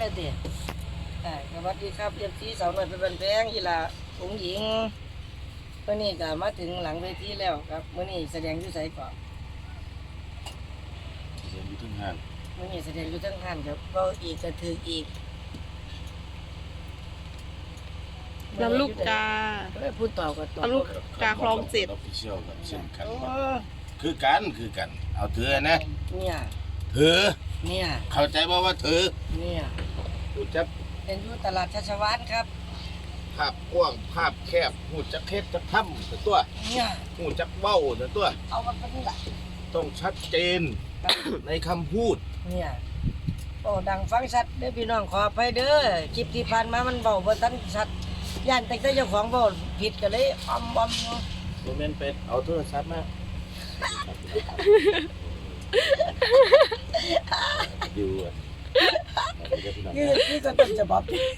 ได้เด็ดสวัสดีครับเรียบซีสาวหน่อยเป็นแพงอีหล่าองหญิงเมื่อนี้ก็มาถึงหลังเวทีแล้วครับเมื่อนี้แสดงอยู่ไสก่อนแสดงอยู่ทั้งห้างเมื่อนี้แสดงอยู่ทั้งห้างครับก็อีกก็ถืออีกลำลูกกาพูดต่อก็ต่อลำลูกกาคลอง7 ออฟฟิเชียลกับเช่นกันคือกันเอาเธอนะเนี่ยเธอเนี่ยเข้าใจว่าเธอเนี่ยหูจักเป็นอยู่ตลาดชัชวาลครับภาพกว้างภาพแคบหูจักเฮ็ดจักทำแต่ตัวเนี่ยหูจักเว้าแต่ตัวเอามาเป็นแบบต้องชัดเจนในคำพูดเนี่ยโอ้ดังฟังชัดเด้อพี่น้องขออภัยเด้อคลิปที่ผ่านมามันเบาบ่ทันชัดย่านแต่เจ้าของเบาผิดก็เลยอมเนาะโมเมนต์เป็ดเอาโทรศัพท์มาดูอ่ะนี่ก็ต้นฉบับ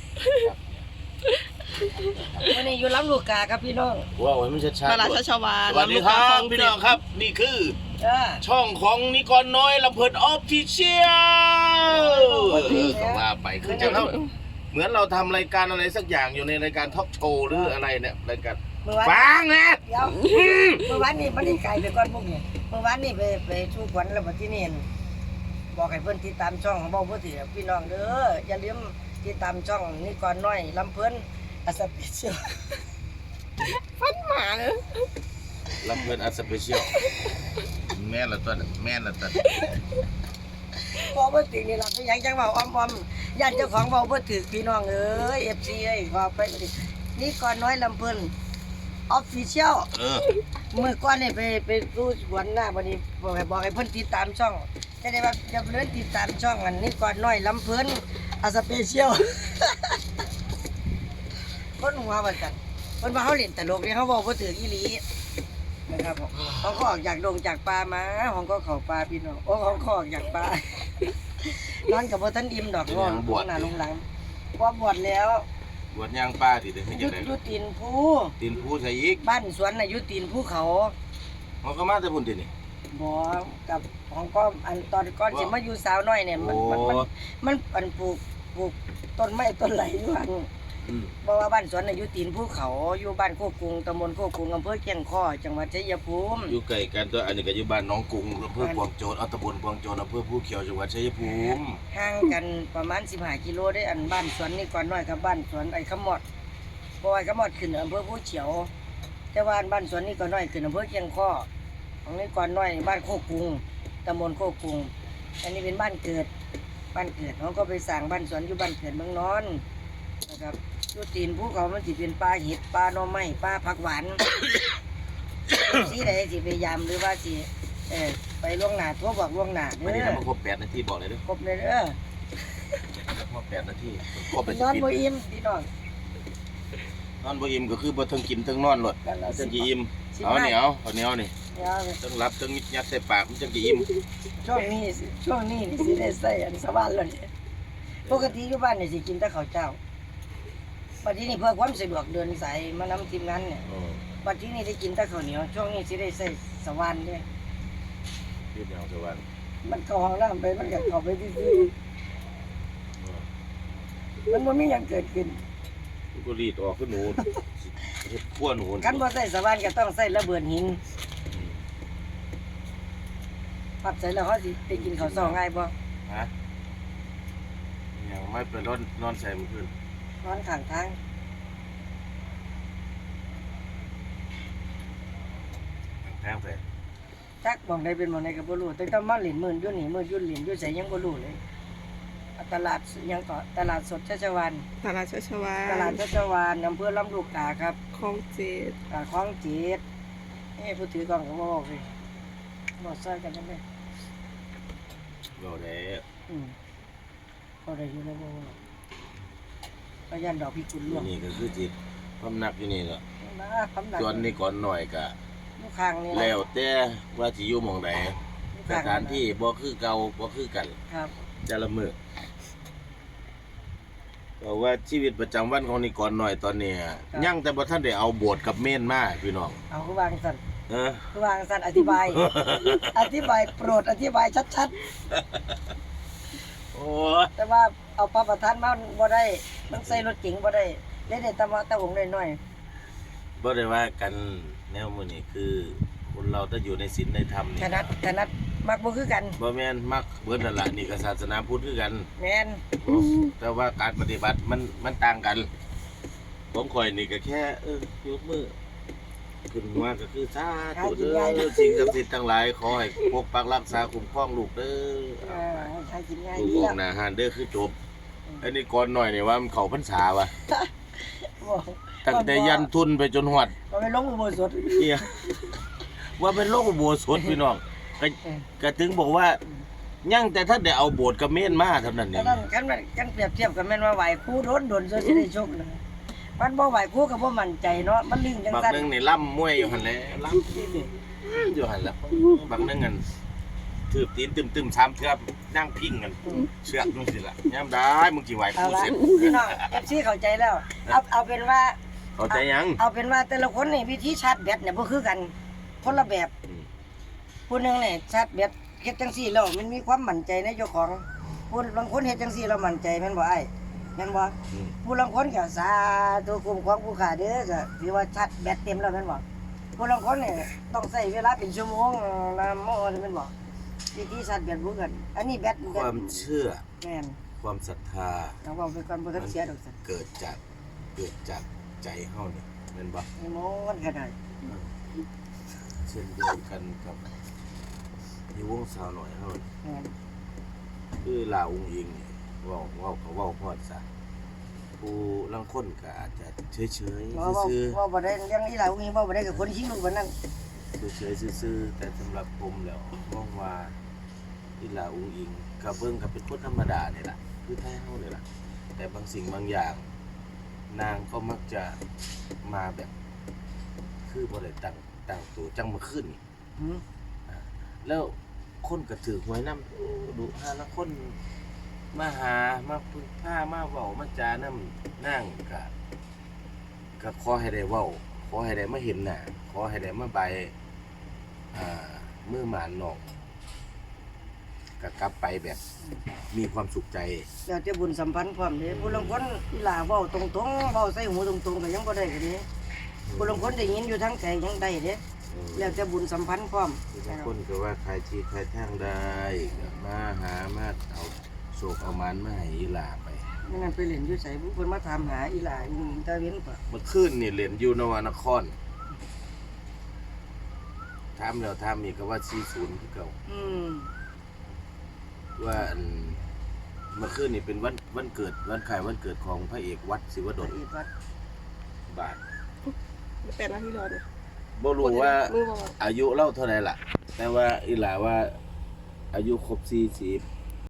วันนี้อยู่ลำลูกกาครับพี่น้องว้าวมันชัดตลาดชัชวาลสวัสดีครับพี่น้องครับนี่คือช่องของนิกรน้อยลำเพลินออฟฟิเชียลก็ว่าไปคือจะเล่าเหมือนเราทำรายการอะไรสักอย่างอยู่ในรายการทอล์กโชว์หรืออะไรเนี่ยรายการฟังนะเดี๋ยวเมื่อวานนี้มันได้ไกลไปก่อนพวกนี้เมื่อวานนี้ไปชูขวัญแล้วมาที่นี่บอกให้เพื่อนติดตามช่องของเบาพุทธิพี่น้องเด้ออย่าลืมติดตามช่องนิกรน้อยลำเพลินอัสเปเชียลฟันหมาเลยลำเพลินอัสเปเชียลแม่ละตัวเบาพุทธินี่เราไปยังจังเบาอ้อมญาติเจ้าของเบาพุทธิพี่น้องเอ้ยFCเอ้ยขอไปนิกรน้อยลำเพลินออฟฟิเชียลเมื่อก่อนนี่ไปรู้สวนหน้าวันนี้บอกให้เพิ่นติดตามช่องจะได้ว่าจะเลื่อนติดตามช่องอันนี้ก่อนน้อยลำเพิ่นอาสเปเชียลคนหัวว่าจังเพิ่นว่าเขาเล่นตลกนี่เขาบอกว่าถืออีหลีนะครับผมเขาก็ออกจากดงจากป่ามาของก็เข้าป่าพี่น้องโอ้ของก็ออกจากป่านอนกับบ่ทันอิ่มดอกงอนบวชหน้าลงหลังว่าบวชแล้วบวชย่างป้าดิเด้ไม่จังได๋อยู่ตีนภูใส่อีกบ้านสวนน่ะอยู่ตีนภูเขามันก็มาแต่พุ่นตินี่บ่กับของก็อันตอนก่อนสิมาอยู่สาวน้อยเนี่ยมันอันปลูกต้นไม้ต้นไหลอยู่หั่นเพราะว่าบ้านสวนน่ะอยู่ตีนภูเขาอยู่บ้านโคกรุงตำบลโคกรุงอำเภอแก่งข้อจังหวัดชัยภูมิอยู่ใกล้กันตัวอันนี้ก็อยู่บ้านหนองกรุงอำเภอกวางโจรตำบลกวางโจรอำเภอภูเขียวจังหวัดชัยภูมิห่างกันประมาณ15กิโลได้อันบ้านสวนนี่ก่อนน้อยกับบ้านสวนไอ้ขมอดเพราะว่าขมอดขึ้นอำเภอภูเขียวแต่ว่าบ้านสวนนี่ก่อนน้อยขึ้นอำเภอแก่งข้อของนี่ก่อนน้อยบ้านโคกรุงตำบลโคกรุงอันนี้เป็นบ้านเกิดเขาก็ไปสร้างบ้านสวนอยู่บ้านเกิดเมืองนอนนะครับอยู่ตีนภูเขามันสิเป็นปลาเห็ดปลาหน่อไม้ปลาผักหวานสีใดสิพยายามหรือว่าสิไปล่วงหน้าทั่วบอกล่วงหน้าเด้อวันนี้ทำมาครบ8 นาทีบอกเลยเด้อครบเลยเด้อครบ8 นาทีครบไปนอนบ่อิ่มพี่น้องนอนบ่อิ่มก็คือบ่ทั้งกินทั้งนอนหลดจังสิอิ่มเอาเหนียวนี่ต้องรับต้องยัดใส่ปากมันจังสิอิ่มช่วงนี้สิได้ใส่อันสวรรค์แล้วนี่ปกติอยู่บ้านนี่สิกินแต่ข้าวเจ้าบัดนี้เพื่อความสะดวกเดินสายมานำทีมงานเนี่ยบัดนี้ได้กินแต่ข้าวเหนียวช่วงนี้สิได้ใส่สวรรค์เด้คือแนวสวรรค์มันเข้าห้องน้ำไปมันก็เข้าไปซื่อมันบ่มีหยังเกิดขึ้นก็รีดออกคือหนูขั้วหนูคันบ่ใส่สวรรค์ก็ต้องใส่ระเบิดหินปัดใส่แล้วเขาสิได้กินข้าวซองง่ายบ่ฮะยังไม่ไปนอนใส่มื้อคืนนอนข้างทางไปจักบ่งใดเป็นบ่งใดก็บ่รู้แต่ต้องมาเล่นมื้ออยู่นี่มื้ออยู่เล่นอยู่ไสยังบ่รู้เลยตลาดยังก็ตลาดสดชัชวาลตลาดชัชวาลอำเภอลำลูกกาครับคลอง7 คลอง7ผู้ถือกล้องก็บ่บอกสิบ่ซอยกันนั่นเด้บ่ได้บ่ได้อยู่แล้วบ่ก็ยันดอกพิกุลล่วงนี่ก็คือจิตพำนักอยู่นี่แหละส่วนนี้ก่อนหน่อยก็อยู่ข้างนี่แล้วแต่ว่าสิอยู่หม้องใดสถานที่บ่คือเก่าบ่คือกันครับแต่ละมื้อเพราะว่าชีวิตประจำวันของนิกรน้อยตอนนี้ยังแต่บ่ทันได้เอาโบสถ์กับเมนมาพี่น้องเอาคือวางสั่นคือวางสั่นอธิบายโปรดอธิบายชัดๆโอ้แต่ว่าเอาปลาประทานมาบ่ได้มันใส่รถเก๋งบ่ได้เลยได้ตะหงน้อยบ่ได้ว่ากันแนวมื้อนี้คือคนเราถ้าอยู่ในศีลในธรรมๆนี่ถนัดมักบ่คือกันบ่แม่นมักเบิดนั่นล่ะนี่ก็ศาสนาพุทธคือกันแม่นแต่ว่าการปฏิบัติมันต่างกันผมข่อยนี่ก็แค่ยกมือขึ้นมาก็คือสาธุเด้อสิ่งศักดิ์สิทธิ์ทั้งหลายขอให้ปกปักรักษาคุ้มครองลูกเด้อใช้กินง่ายลูกดีอแล้อวกหน้าหานเด้อคือจบอันนี้ก่อนหน่อยนี่ว่ามันเข้าพรรษาว่ะบ่ตั้งแต่ยันทุนไปจนฮอดบ่ไปลงอุโบสถเหี้ยว่าเป็นโลกอุโบสถพี่น้องก็ถึงบอกว่ายังแต่ถ้าได้เอาโบสถ์กับเมนมาเท่านั้นแต่นี่นั้นกันเปรียบเทียบกันแม่นว่าไหวครูโดนซะสิได้โชคนะมันบ่ไหวครูก็บ่มั่นใจเนาะมันลึงจังบางซั่นนึงนี่ล่ำมวยอยู่หั่นแหละล่ำอยู่หั่นแหละบางนึงอันถืบตีนตึมๆ3เทื่อนั่งพิงกันเชือกจังซี่ล่ะยามได้มึงสิไหวเอากูละเสร็จพี่น้อง FC เข้าใจแล้วเอาเป็นว่าเข้าใจยังเอาเป็นว่าแต่ละคนนี่วิธีชาร์จแบตเนี่ยบ่คือกันคนละแบบ ผู้หนึงเนี่ยชาร์จแบตเฮ็ดจังซี่แล้วมันมีความมั่นใจในเจ้าของผู้บางคนเฮ็ดจังซี่แล้วมั่นใจแม่นบ่อ้ายแม่นบ่อืมผู้ลางคนก็สาธุคุ้มครองผู้ขาเด้อก็ถือว่าชาร์จแบตเต็มแล้วแม่นบ่ผู้ลางคนเนี่ยต้องใช้เวลาเป็นชั่วโมงนะโมแม่นบ่วิธีชาร์จแบตบ่กันอันนี้แบตความเชื่อแม่นความศรัทธาเราเว้าไปก่อนบ่ทันเสียดอกซั่นเกิดจากใจเฮานี่แม่นบ่ไอ้โมมันก็ได้เช่นเดียวกันกับในวงสาวหน่อยเฮานี่แม่นคือลาอุ้งอิงนี่เว้าพอดซะผู้ลางคนก็อาจจะเฉยๆซื่อว่าบ่ได้เรื่องนี้ล่ะอุ้งบ่ได้กับคนชิงลูกบัดนั้นๆเฉยๆซื่อๆแต่สำหรับผมแล้วมองว่าอีลาอุ้งอิงก็เบิ่งก็เป็นคนธรรมดานี่ล่ะคือไทยเฮานี่ล่ะแต่บางสิ่งบางอย่าง นางก็มักจะมาแบบคือบ่ได้ตั้งตัวจังมาขึ้นนี่หืมแล้วคนก็ถือหวยนำดูหาละคนมาหามาพึ่งพามาเว้ามาจานำนั่งก็ขอให้ได้เว้าขอให้ได้มาเห็นหน้าขอให้ได้มาใบมือหมานนอกก็กลับไปแบบมีความสุขใจแล้วแต่บุญสัมพันธ์พร้อมเด้ผู้ลางคนอีหลาเว้าตรงๆเว้าใส่หูตรงๆก็ยังบ่ได้ก็เด้ผู้ลางคนได้ยินอยู่ทางไกลยังได้เด้แล้วแต่บุญสัมพันธ์พร้อมบางคนก็ว่าใครที่ใครทางได้ก็มาหามาเอาโศกเอามันมาให้อีหลาไปนั่นไปเล่นอยู่ไสผู้เพิ่นมาถามหาอีหลาอยู่ตะเว้นป่ะเมื่อคืนนี่เล่นอยู่นวนครถามแล้วถามอีกก็ว่า40คือเก่า ว่าอันเมื่อคืนนี่เป็นวันเกิดวันขายวันเกิดของพระเอกวัดศิวดลอีกวัดบาท 8 นาทีรอเนี่ยบ่รู้ว่ามือบ่ว่าอายุเล่าเท่าไหร่ล่ะ แต่ว่าอีหลาว่าอายุครบ40